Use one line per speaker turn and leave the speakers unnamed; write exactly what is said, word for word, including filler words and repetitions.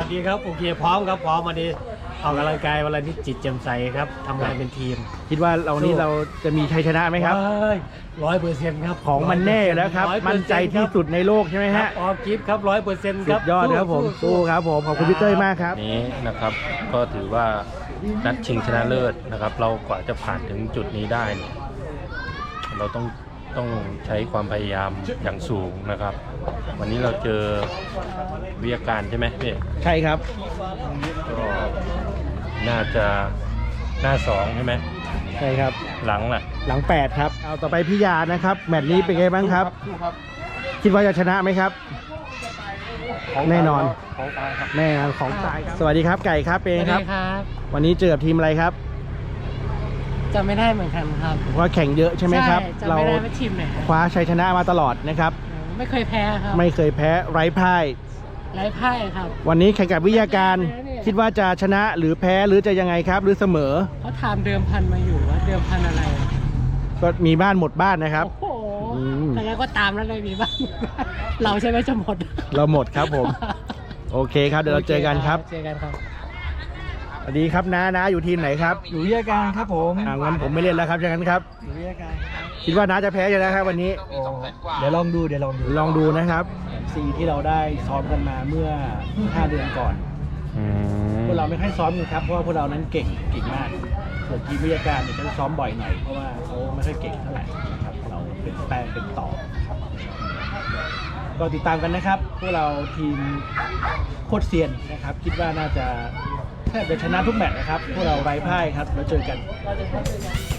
ดีครับโอเคพร้อมครับพร้อมวันนี้ออกกำลังกายวันนี้จิตแจ่มใสครับทำงานเป็นทีม
คิดว่าเรานี้เราจะมีชัยชนะไหมครับ
ร้อยเปอร์เซ็นต์ครับ
ของมันแน่อยู่แล้วครับมั่นใจที่สุดในโลกใช่ไหมฮะ
ออกกิฟต์ครับร้อยเปอร์เซ็นต์ครับ
สุดยอดครับผมสู้ครับผมขอบคุณพี่เต้ยมากครับ
นี้นะครับก็ถือว่านัดชิงชนะเลิศนะครับเรากว่าจะผ่านถึงจุดนี้ได้เนี่ยเราต้องต้องใช้ความพยายามอย่างสูงนะครับวันนี้เราเจอวิทยาการใช่ไหมพี่
ใช่ครับ
ก็น่าจะหน้าสองใช่ไหม
ใช่ครับ
หลังล่ะ
หลังแปดครับเอาต่อไปพี่ยานะครับแมตช์นี้เป็นไงบ้างครับคิดว่าจะชนะไหมครับแน่นอนแน่นอนของตายครับสวัสดีครับไก่ครับเป็นครับวันนี้เจอกับทีมอะไรครับ
จำไม่ได้เหมือนกันครับ
ว่าแข่งเยอะใช่ไหมครับ
เรา
คว้าชัยชนะมาตลอดนะครับ
ไม่เคยแพ้ครับ
ไม่เคยแพ้ไร้พ่าย
ไร้พ่ายครับ
วันนี้แข่งกับวิทยาการคิดว่าจะชนะหรือแพ้หรือจะยังไงครับหรือเสมอ
เขาถามเดิมพันมาอยู่ว่าเดิมพันอะไร
ก็มีบ้านหมดบ้านนะครับ
โอ้โหแต่แล้วก็ตามแล้วเลยมีบ้านเราใช่ไหมจะหมด
เราหมดครับผมโอเคครับเดี๋ยวเราเจอกันครับ
เจอกันครับ
สวัสดีครับน้าน้าอยู่ทีมไหนครับ
อยู่วิทยาการครับผม
อ่างั้นผมไม่เล่นแล้วครับอย่างนั้นครับ
อยู่วิทยาการ
คิดว่าน้าจะแพ้ยังไงครับวันนี้
เดี๋ยวลองดูเดี๋ยวลองดู
ลองดูนะครับ
ซีที่เราได้ซ้อมกันมาเมื่อห้าเดือนก่อนพวกเราไม่ค่อยซ้อมกันครับเพราะว่าพวกเรานั้นเก่งเก่งมากส่วนทีมวิทยาการเนี่ยจะซ้อมบ่อยหน่อยเพราะว่าเขาไม่ค่อยเก่งเท่าไหร่นะครับเราเป็นแปลงเป็นต่อก็ติดตามกันนะครับพวกเราทีมโคตรเซียนนะครับคิดว่าน่าจะแทบจะชนะทุกแมตช์นะครับพวกเราไร้พ่ายครับแล้วเจอกัน